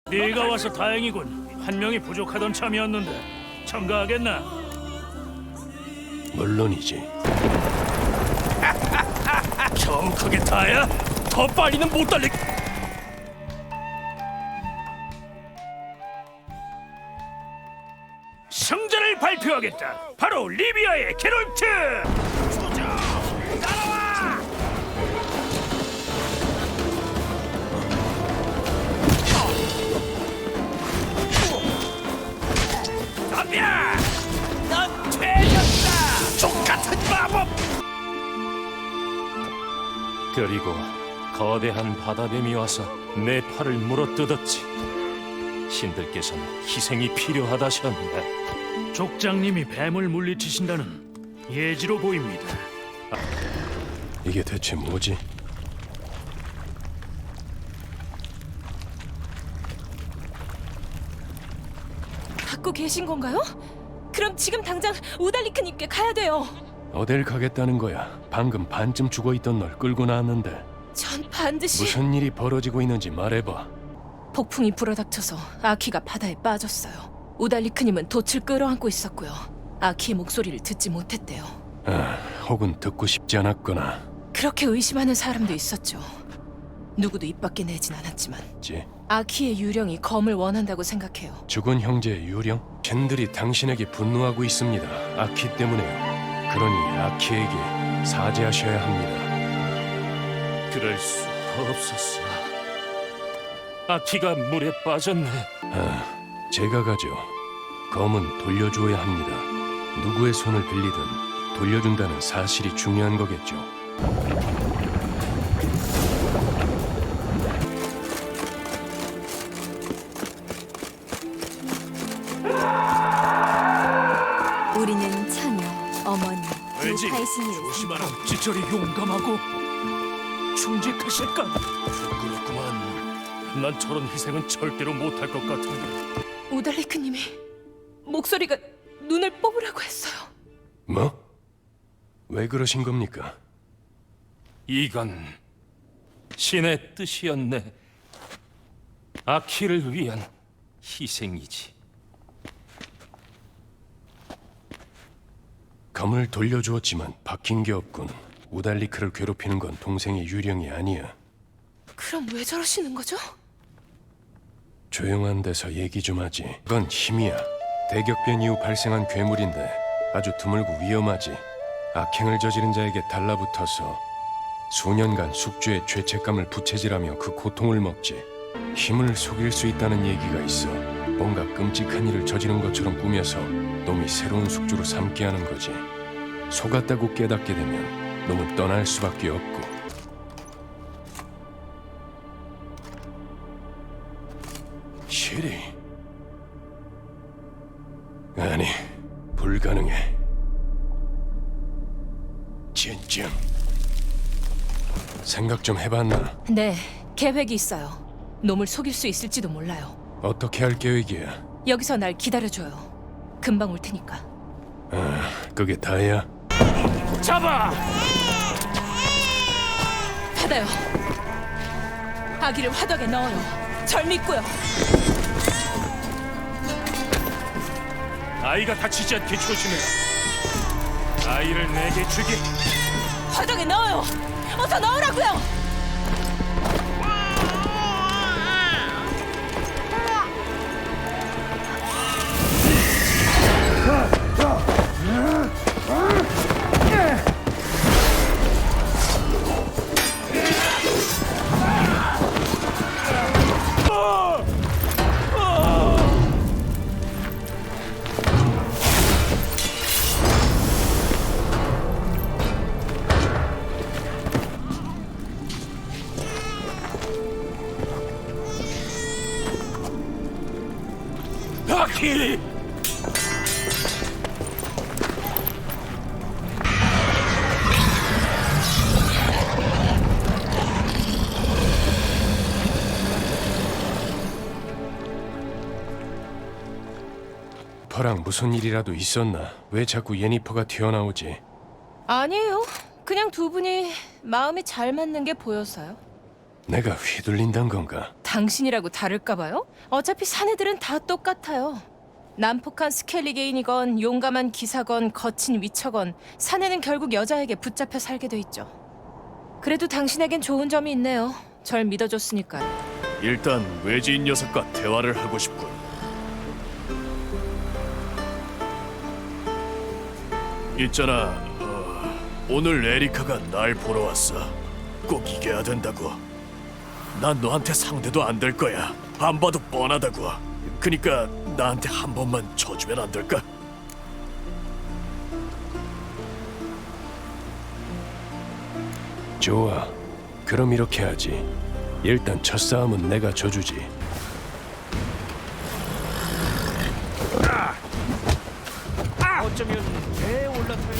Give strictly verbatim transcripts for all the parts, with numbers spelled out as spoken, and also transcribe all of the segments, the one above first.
네가 와서 다행이군. 한 명이 부족하던 참이었는데 첨가하겠나? 물론이지. 좀 크게 타야 더 빨리는 못 달리. 승자를 발표하겠다. 바로 리비아의 게롤트. 따라와. 덤벼! 넌 죄졌다! 족같은 마법! 그리고 거대한 바다뱀이 와서 내 팔을 물어뜯었지. 신들께서는 희생이 필요하다셨네. 족장님이 뱀을 물리치신다는 예지로 보입니다. 이게 대체 뭐지? 갖고 계신 건가요? 그럼 지금 당장 우달리크님께 가야 돼요. 어딜 가겠다는 거야? 방금 반쯤 죽어있던 널 끌고 나왔는데. 전 반드시 무슨 일이 벌어지고 있는지 말해봐. 폭풍이 불어닥쳐서 아키가 바다에 빠졌어요. 우달리크님은 돛을 끌어안고 있었고요. 아키의 목소리를 듣지 못했대요. 아, 혹은 듣고 싶지 않았거나. 그렇게 의심하는 사람도 있었죠. 누구도 입 밖에 내진 않았지만 지 아키의 유령이 검을 원한다고 생각해요. 죽은 형제의 유령? 젠들이 당신에게 분노하고 있습니다. 아키 때문에요. 그러니 아키에게 사죄하셔야 합니다. 그럴 수 없었어. 아키가 물에 빠졌네. 아, 제가 가죠. 검은 돌려주어야 합니다. 누구의 손을 빌리든 돌려준다는 사실이 중요한 거겠죠. 우리는 처녀, 어머니, 두 왠지 팔신을 조심하라. 지철이 용감하고 충직하실까? 부끄럽구만. 난 저런 희생은 절대로 못할 것 같은데. 우달리크님이 목소리가 눈을 뽑으라고 했어요. 뭐? 왜 그러신 겁니까? 이건 신의 뜻이었네. 아키를 위한 희생이지. 검을 돌려주었지만 바뀐 게 없군. 우달리크를 괴롭히는 건 동생의 유령이 아니야. 그럼 왜 저러시는 거죠? 조용한 데서 얘기 좀 하지. 그건 힘이야. 대격변 이후 발생한 괴물인데 아주 드물고 위험하지. 악행을 저지른 자에게 달라붙어서 수년간 숙주의 죄책감을 부채질하며 그 고통을 먹지. 힘을 속일 수 있다는 얘기가 있어. 뭔가 끔찍한 일을 저지른 것처럼 꾸며서 놈이 새로운 숙주로 삼게 하는 거지. 속았다고 깨닫게 되면 놈은 떠날 수밖에 없고. 시리? 아니, 불가능해. 진짜. 생각 좀 해봤나? 네, 계획이 있어요. 놈을 속일 수 있을지도 몰라요. 어떻게 할 계획이야? 여기서 날 기다려줘요. 금방 올 테니까. 아, 그게 다야? 잡아! 받아요. 아기를 화덕에 넣어요. 절 믿고요. 아이가 다치지 않게 조심해라. 아이를 내게 주기. 화덕에 넣어요. 어서 넣으라고요. 아키! 퍼랑 무슨 일이라도 있었나? 왜 자꾸 예니퍼가 튀어나오지? 아니에요. 그냥 두 분이 마음이 잘 맞는 게 보여서요. 내가 휘둘린단 건가? 당신이라고 다를까 봐요? 어차피 사내들은 다 똑같아요. 난폭한 스켈리게인이건 용감한 기사건 거친 위처건 사내는 결국 여자에게 붙잡혀 살게 돼 있죠. 그래도 당신에겐 좋은 점이 있네요. 절 믿어줬으니까요. 일단 외지인 녀석과 대화를 하고 싶군. 있잖아, 어, 오늘 에리카가 날 보러 왔어. 꼭 이겨야 된다고. 난 너한테 상대도 안 될 거야. 안 봐도 뻔하다고. 그니까 나한테 한 번만 져주면 안 될까? 좋아. 그럼 이렇게 하지. 일단 첫 싸움은 내가 져주지. 어쩌면 배에 올라타요.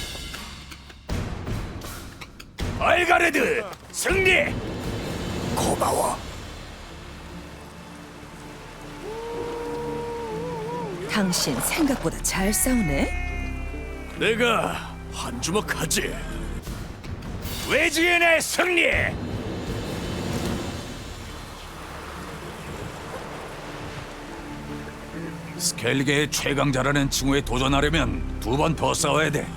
알가레드 승리! 고마워. 당신 생각보다 잘 싸우네. 내가 한 주먹 하지. 외지인의 승리! 스켈리게의 최강자라는 칭호에 도전하려면 두 번 더 싸워야 돼.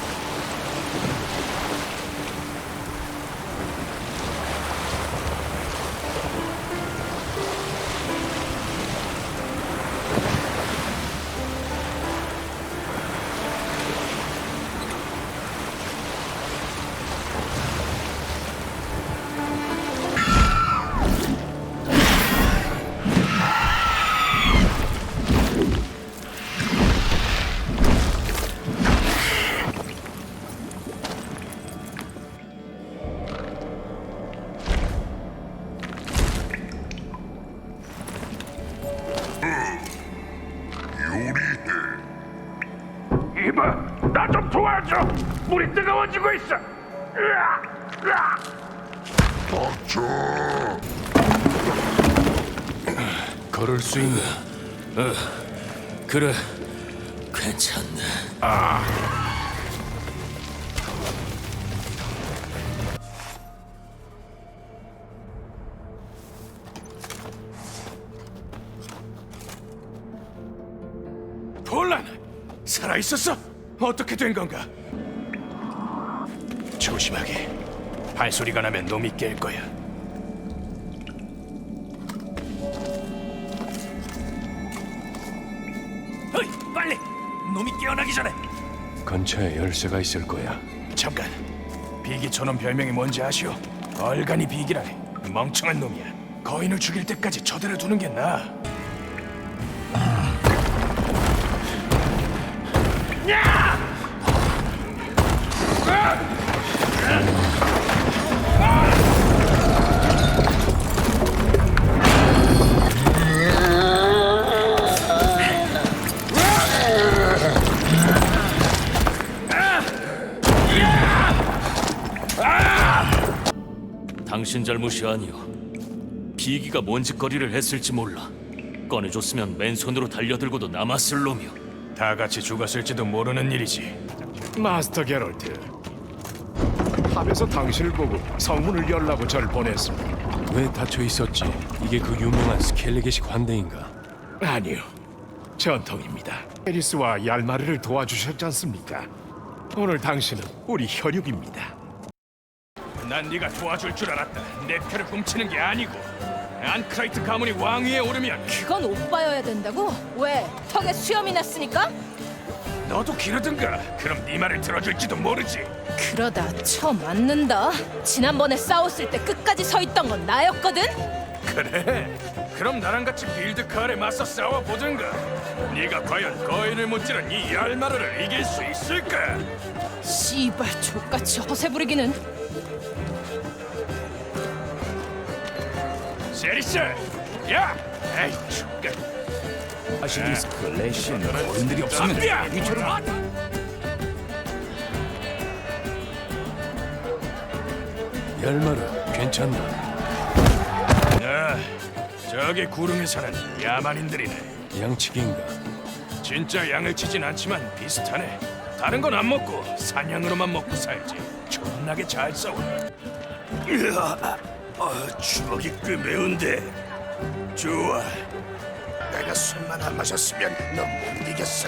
이봐, 나 좀 도와줘. 물이 뜨거워지고 있어. 으아! 으아! 걸을 수 있나? 그래, 괜찮네. 폴란, 살아 있었어? 어떻게 된 건가? 조심하게. 발소리가 나면 놈이 깰 거야. 어이, 빨리! 놈이 깨어나기 전에. 근처에 열쇠가 있을 거야. 잠깐. 비기 저놈 별명이 뭔지 아시오? 얼간이 비기라네. 멍청한 놈이야. 거인을 죽일 때까지 저대로 두는 게 나아. 당신 잘못이 아니오. 비기가 뭔 짓거리를 했을지 몰라. 꺼내줬으면 맨손으로 달려들고도 남았을 놈이오. 다 같이 죽었을지도 모르는 일이지. 마스터 게롤트, 탑에서 당신을 보고 성문을 열라고 절 보냈습니다. 왜 닫혀 있었지? 이게 그 유명한 스켈리게식 환대인가? 아니요, 전통입니다. 에리스와 얄마르를 도와주셨지 않습니까? 오늘 당신은 우리 혈육입니다. 난 네가 도와줄 줄 알았다. 내 패를 훔치는 게 아니고. 안크라이트 가문이 왕위에 오르면 그건 오빠여야 된다고? 왜? 턱에 수염이 났으니까? 너도 기르든가. 그럼 네 말을 들어줄지도 모르지. 그러다 쳐 맞는다. 지난번에 싸웠을 때 끝까지 서 있던 건 나였거든? 그래? 그럼 나랑 같이 빌드카에 맞서 싸워보든가. 네가 과연 거인을 무찌른 이 얄마르를 이길 수 있을까? 씨발 족같이 허세 부리기는. 세리스! 야! 에이, 죽겠. 아시리스크, 레시는 거인들이 없으면 덤비야! 위처럼 열마르, 괜찮나? 아, 저기 구름에 사는 야만인들이네. 양치기인가? 진짜 양을 치진 않지만 비슷하네. 다른 건 안 먹고 사냥으로만 먹고 살지. 존나게 잘 싸워. 으아, 아, 주먹이 꽤 매운데. 좋아. 내가 술만 안 마셨으면 넌 못 이겼어.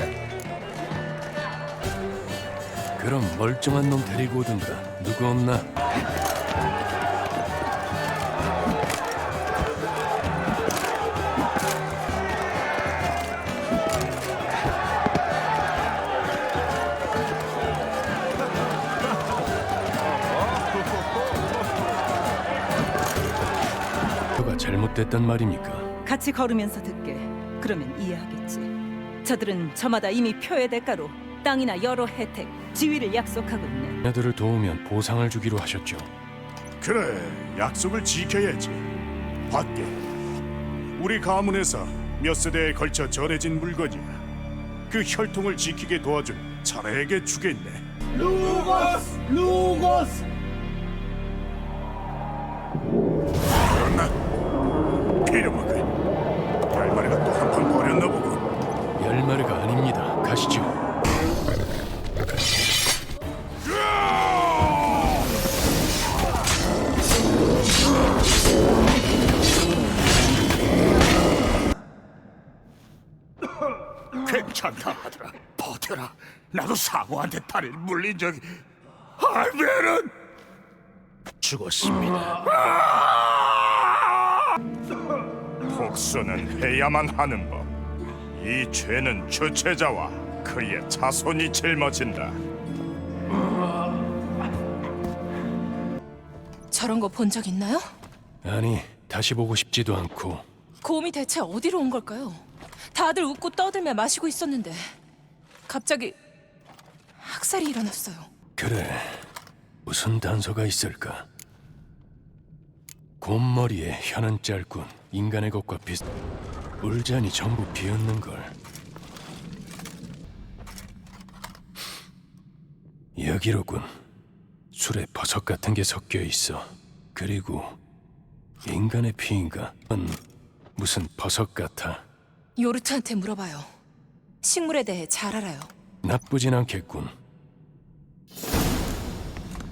그럼 멀쩡한 놈 데리고 오든가. 누구 없나? 뭐가 잘못됐단 말입니까? 같이 걸으면서 듣게. 그러면 이해하겠지. 저들은 저마다 이미 표의 대가로 땅이나 여러 혜택, 지위를 약속하고 있네. 자녀들을 도우면 보상을 주기로 하셨죠. 그래, 약속을 지켜야지. 밖에 우리 가문에서 몇 세대에 걸쳐 전해진 물건이야. 그 혈통을 지키게 도와준 자네에게 주겠네. 루거스! 루거스! 그렇나? 빌어먹을. 열마리가 또 한 판 버렸나 보군. 열마리가 아닙니다. 가시죠. 괜찮다 하더라. 버텨라. 나도 사고한테 다리를 물린 적이. 할배는 죽었습니다. 복수는 해야만 하는 법. 이 죄는 주체자와 그의 자손이 짊어진다. 저런 거 본 적 있나요? 아니, 다시 보고 싶지도 않고. 곰이 대체 어디로 온 걸까요? 다들 웃고 떠들며 마시고 있었는데 갑자기 학살이 일어났어요. 그래, 무슨 단서가 있을까? 곰머리에 혀는 짧군. 인간의 것과 비슷. 울잔이 전부 비었는걸. 여기로군. 술에 버섯 같은 게 섞여 있어. 그리고 인간의 피인가? 은 무슨 버섯 같아. 요르트한테 물어봐요. 식물에 대해 잘 알아요. 나쁘진 않겠군.